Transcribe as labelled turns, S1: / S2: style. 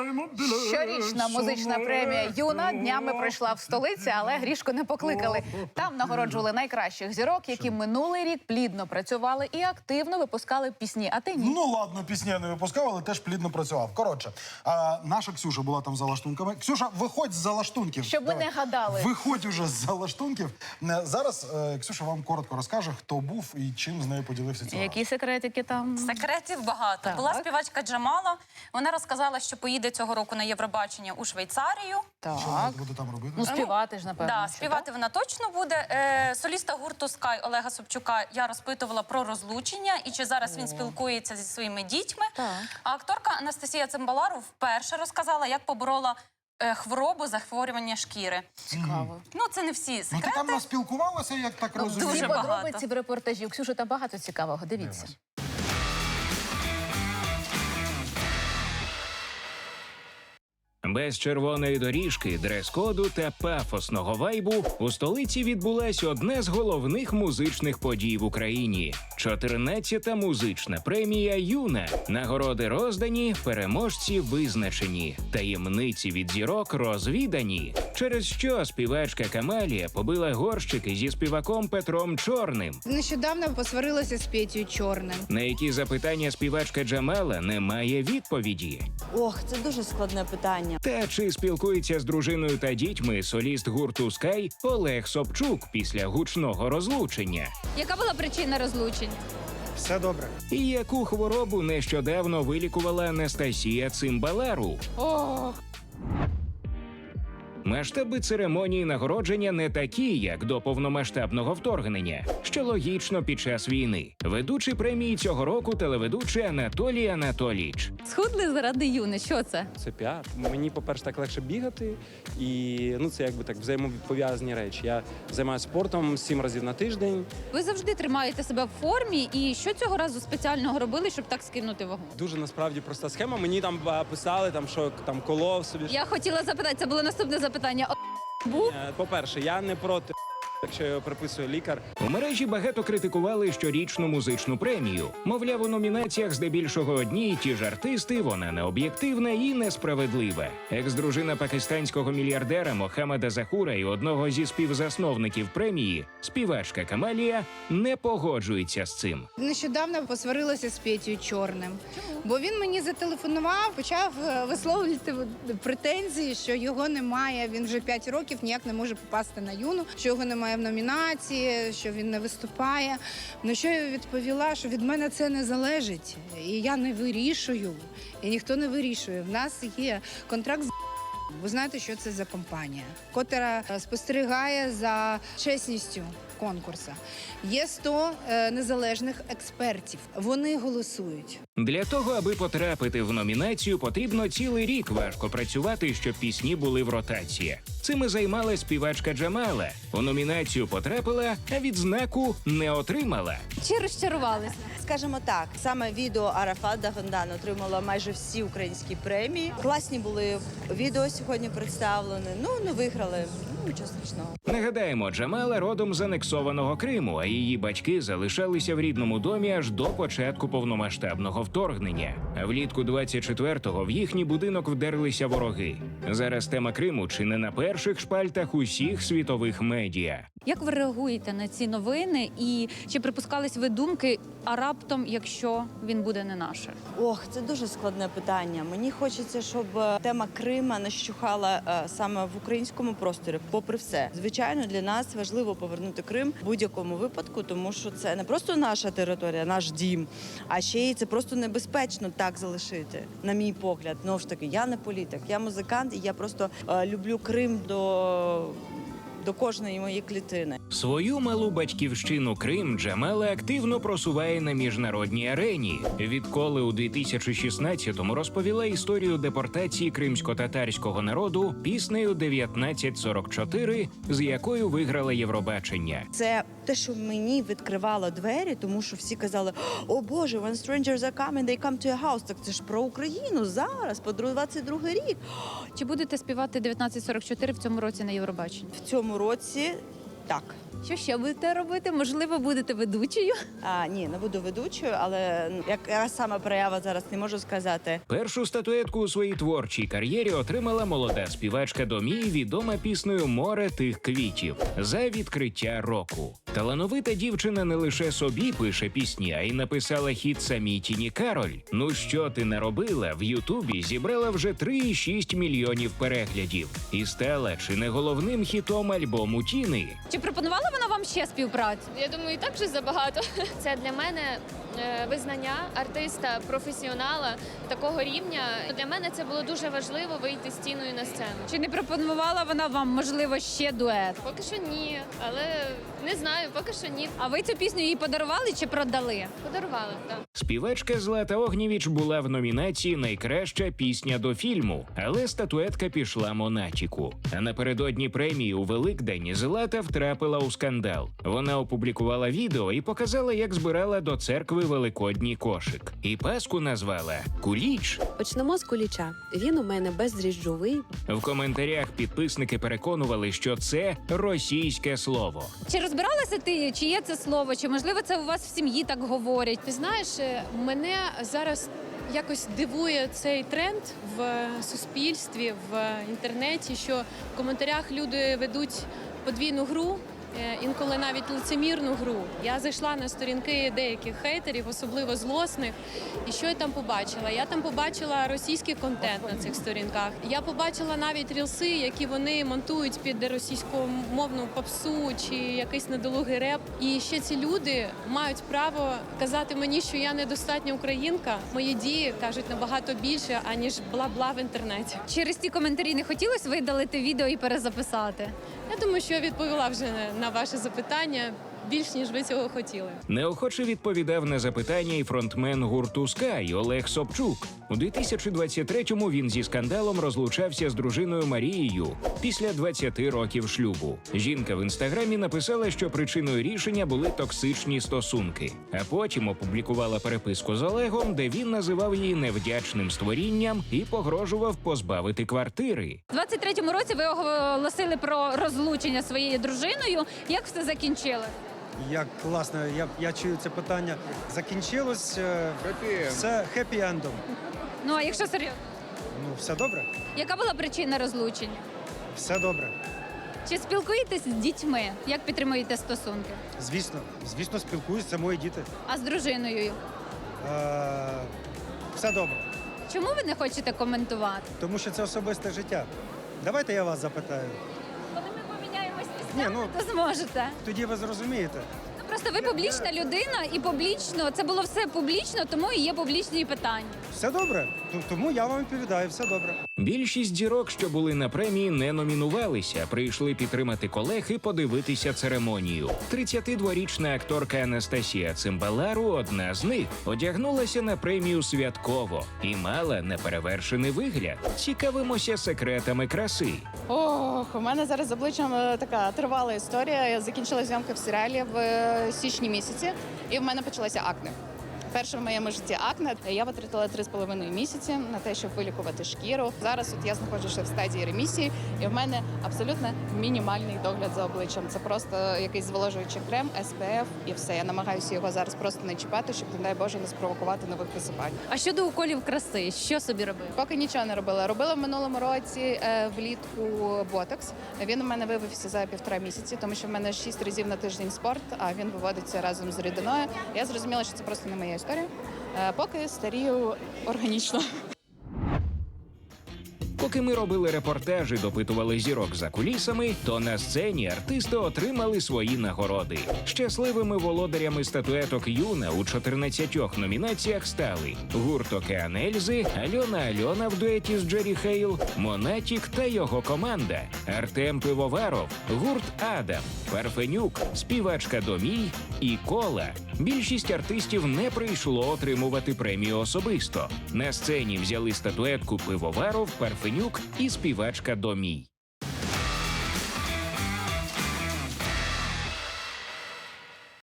S1: Щорічна музична премія «Юна» днями пройшла в столиці, але Грішко не покликали. Там нагороджували найкращих зірок, які минулий рік плідно працювали і активно випускали пісні. А ти ні?
S2: Ну ладно, пісні я не випускав, але теж плідно працював. Коротше, наша Ксюша була там за лаштунками. Ксюша, виходь з-за лаштунків.
S1: Щоб ви не гадали.
S2: Виходь уже з-за лаштунків. Зараз Ксюша вам коротко розкаже, хто був і чим з нею поділився цього.
S1: Які секретики там?
S3: Секретів багато.
S1: Так.
S3: Була співачка Джамала. Вона розказала, що поїде цього року на Євробачення у Швейцарію.
S1: Так.
S2: Що вона буде там робити?
S1: Ну, співати ж, напевно.
S3: Да,
S1: що,
S3: співати вона точно буде. Соліста гурту «Скай» Олега Собчука я розпитувала про розлучення і чи зараз він спілкується зі своїми дітьми.
S1: Так.
S3: А акторка Анастасія Цимбалару вперше розказала, як поборола хворобу, захворювання шкіри.
S1: Цікаво.
S3: Ну, це не всі
S2: Ну
S3: секрети.
S2: ти там наспілкувалася, як так розумію?
S1: Всі
S3: Дуже багато.
S1: подробиці в репортажі. Ксюша, там багато цікавого. Дивіться.
S4: Без червоної доріжки, дрес-коду та пафосного вайбу у столиці відбулась одна з головних музичних подій в Україні – 14-та музична премія «Юна». Нагороди роздані, переможці визначені, таємниці від зірок розвідані. Через що співачка Камалія побила горщики зі співаком Петром Чорним.
S5: Нещодавно посварилася з Петєю Чорним.
S4: На які запитання співачка Джамала не має відповіді.
S6: Ох, це дуже складне питання.
S4: Та чи спілкується з дружиною та дітьми соліст гурту «Скай» Олег Собчук після гучного розлучення?
S7: Яка була причина розлучень?
S2: Все добре.
S4: І яку хворобу нещодавно вилікувала Анастасія Цимбалару? Масштаби церемонії нагородження не такі, як до повномасштабного вторгнення, що логічно під час війни. Ведучий премії цього року телеведучий Анатолій Анатолійович.
S7: Схудли заради Юни. Що це?
S8: Це піар. Мені, по-перше, так легше бігати, і це якби так взаємопов'язані речі. Я займаюся спортом 7 разів на тиждень.
S7: Ви завжди тримаєте себе в формі. І що цього разу спеціального робили, щоб так скинути вагу?
S8: Дуже насправді проста схема. Мені там писали, що там колов собі.
S7: Я хотіла запитати, це було наступне запитання. Був?
S8: По-перше, я не проти, якщо його приписує лікар.
S4: У мережі багато критикували щорічну музичну премію. Мовляв, у номінаціях здебільшого одні й ті ж артисти, вона необ'єктивна і несправедлива. Екс-дружина пакистанського мільярдера Мохаммеда Захура і одного зі співзасновників премії, співачка Камалія, не погоджується з цим.
S5: Нещодавно посварилася з Петєю Чорним. Бо він мені зателефонував, почав висловлювати претензії, що його немає. Він вже 5 років ніяк не може попасти на Юну, що його немає в номінації, що він не виступає. На що я відповіла, що від мене це не залежить. І я не вирішую, і ніхто не вирішує. В нас є контракт з ви знаєте, що це за компанія, котра спостерігає за чесністю конкурсу. Є 100 незалежних експертів. Вони голосують.
S4: Для того, аби потрапити в номінацію, потрібно цілий рік важко працювати, щоб пісні були в ротації. Цим і займалась співачка Джамала. У номінацію потрапила, а відзнаку не отримала.
S7: Чи розчарувалися?
S6: Скажімо так, саме відео Арафат Дагондан отримало майже всі українські премії. Класні були відео сьогодні представлені. Не виграли. Нічого страшного.
S4: Нагадаємо, Джамала родом з анексованого Криму, а її батьки залишалися в рідному домі аж до початку повномасштабного вторгнення. А влітку 24-го в їхній будинок вдерлися вороги. Зараз тема Криму чи не на перших шпальтах усіх світових медіа.
S7: Як ви реагуєте на ці новини? І чи припускались ви думки, а раптом, якщо він буде не наше?
S6: Ох, це дуже складне питання. Мені хочеться, щоб тема Крима не щухала саме в українському просторі, попри все. Звичайно, для нас важливо повернути Крим в будь-якому випадку, тому що це не просто наша територія, наш дім, а ще й це просто небезпечно так залишити, на мій погляд. Знову ж таки, я не політик, я музикант, і я просто люблю Крим до кожної моєї клітини.
S4: Свою малу батьківщину Крим Джамала активно просуває на міжнародній арені. Відколи у 2016-му розповіла історію депортації кримсько-татарського народу піснею «1944», з якою виграла Євробачення.
S6: Це те, що мені відкривало двері, тому що всі казали: «О Боже, when strangers are coming, they come to your house». Так це ж про Україну зараз, по 22-й рік.
S7: Чи будете співати 1944 в цьому році на Євробаченні?
S6: В цьому році так.
S7: Що ще будете робити? Можливо, будете ведучою?
S6: Ні, не буду ведучою, але яка саме проява зараз не можу сказати.
S4: Першу статуетку у своїй творчій кар'єрі отримала молода співачка Домій, відома піснею «Море тих квітів» за відкриття року. Талановита дівчина не лише собі пише пісні, а й написала хіт самій Тіні Кароль. «Ну що ти наробила» в Ютубі зібрала вже 3,6 мільйонів переглядів і стала чи не головним хітом альбому Тіни.
S7: Чи пропонувала вона вам ще співпрацю?
S9: Я думаю, і так вже забагато. Це для мене визнання артиста, професіонала такого рівня. Для мене це було дуже важливо вийти з Тіною на сцену.
S7: Чи не пропонувала вона вам, можливо, ще дует?
S9: Поки що ні, але не знаю, поки що ні.
S7: А ви цю пісню їй подарували чи продали?
S9: Подарували, так.
S4: Співачка Злата Огнєвіч була в номінації «Найкраща пісня до фільму», але статуетка пішла Монатіку. А напередодні премії у Великдень Злата втрапила у скандал. Вона опублікувала відео і показала, як збирала до церкви великодній кошик. І Пасху назвала «Куліч».
S10: Почнемо з куліча. Він у мене бездріжджовий.
S4: В коментарях підписники переконували, що це російське слово.
S7: Чи розбиралася ти, чи є це слово, чи можливо це у вас в сім'ї так говорять?
S11: Ти знаєш, мене зараз якось дивує цей тренд в суспільстві, в інтернеті, що в коментарях люди ведуть подвійну гру, інколи навіть лицемірну гру. Я зайшла на сторінки деяких хейтерів, особливо злосних, і що я там побачила? Я там побачила російський контент на цих сторінках. Я побачила навіть рілси, які вони монтують під російськомовну попсу чи якийсь недолугий реп. І ще ці люди мають право казати мені, що я недостатня українка. Мої дії кажуть набагато більше, аніж бла-бла в інтернеті.
S7: Через ті коментарі не хотілося видалити відео і перезаписати?
S11: Я думаю, що я відповіла вже на ваше запитання більш, ніж ви цього хотіли.
S4: Неохоче відповідав на запитання і фронтмен гурту «Скай» Олег Собчук. У 2023-му він зі скандалом розлучався з дружиною Марією після 20 років шлюбу. Жінка в інстаграмі написала, що причиною рішення були токсичні стосунки, а потім опублікувала переписку з Олегом, де він називав її невдячним створінням і погрожував позбавити квартири.
S7: У 23-му році ви оголосили про розлучення зі своєю дружиною. Як все закінчили?
S12: Як класно, я чую це питання. Закінчилось все хеппі-ендом.
S7: Ну, а якщо серйозно?
S12: Ну, все добре?
S7: Яка була причина розлучення?
S12: Все добре.
S7: Чи спілкуєтесь з дітьми? Як підтримуєте стосунки?
S12: Звісно, спілкуюсь, це мої діти.
S7: А з дружиною?
S12: Все добре.
S7: Чому ви не хочете коментувати?
S12: Тому що це особисте життя. Давайте я вас запитаю.
S7: Коли ми поміняємось
S12: Ні,
S7: місцями, то зможете.
S12: Тоді ви зрозумієте.
S7: Просто ви публічна людина і публічно, це було все публічно, тому і є публічні питання.
S12: Все добре. Тому я вам відповідаю, все добре.
S4: Більшість зірок, що були на премії, не номінувалися, прийшли підтримати колег і подивитися церемонію. 32-річна акторка Анастасія Цимбалару, одна з них, одягнулася на премію святково і мала неперевершений вигляд. Цікавимося секретами краси.
S13: Ох, у мене зараз з обличчям така тривала історія. Я закінчила зйомки в серіалі в січні місяці, і в мене почалося акне. Перше в моєму житті акне. Я витратила 3,5 місяці на те, щоб вилікувати шкіру. Зараз от я знаходжуся в стадії ремісії, і в мене абсолютно мінімальний догляд за обличчям. Це просто якийсь зволожуючий крем, SPF і все. Я намагаюся його зараз просто не чіпати, щоб, не дай Боже, не спровокувати нових висипань.
S7: А щодо уколів краси, що собі робили?
S13: Поки нічого не робила. Робила в минулому році влітку ботокс. Він у мене вивівся за 1,5 місяці, тому що в мене 6 разів на тиждень спорт, а він виводиться разом з рідиною. Я зрозуміла, що це просто не моя історія. Поки старію органічно.
S4: Поки ми робили репортажі, допитували зірок за кулісами, то на сцені артисти отримали свої нагороди. Щасливими володарями статуеток Юна у 14 номінаціях стали гурт «Океан Ельзи», Альона в дуеті з Джері Хейл, Монатік та його команда, Артем Пивоваров, гурт «Адам», Парфенюк, співачка Домій і Кола. Більшість артистів не прийшло отримувати премію особисто. На сцені взяли статуетку Пивоваров, Парфенюк і співачка Домій.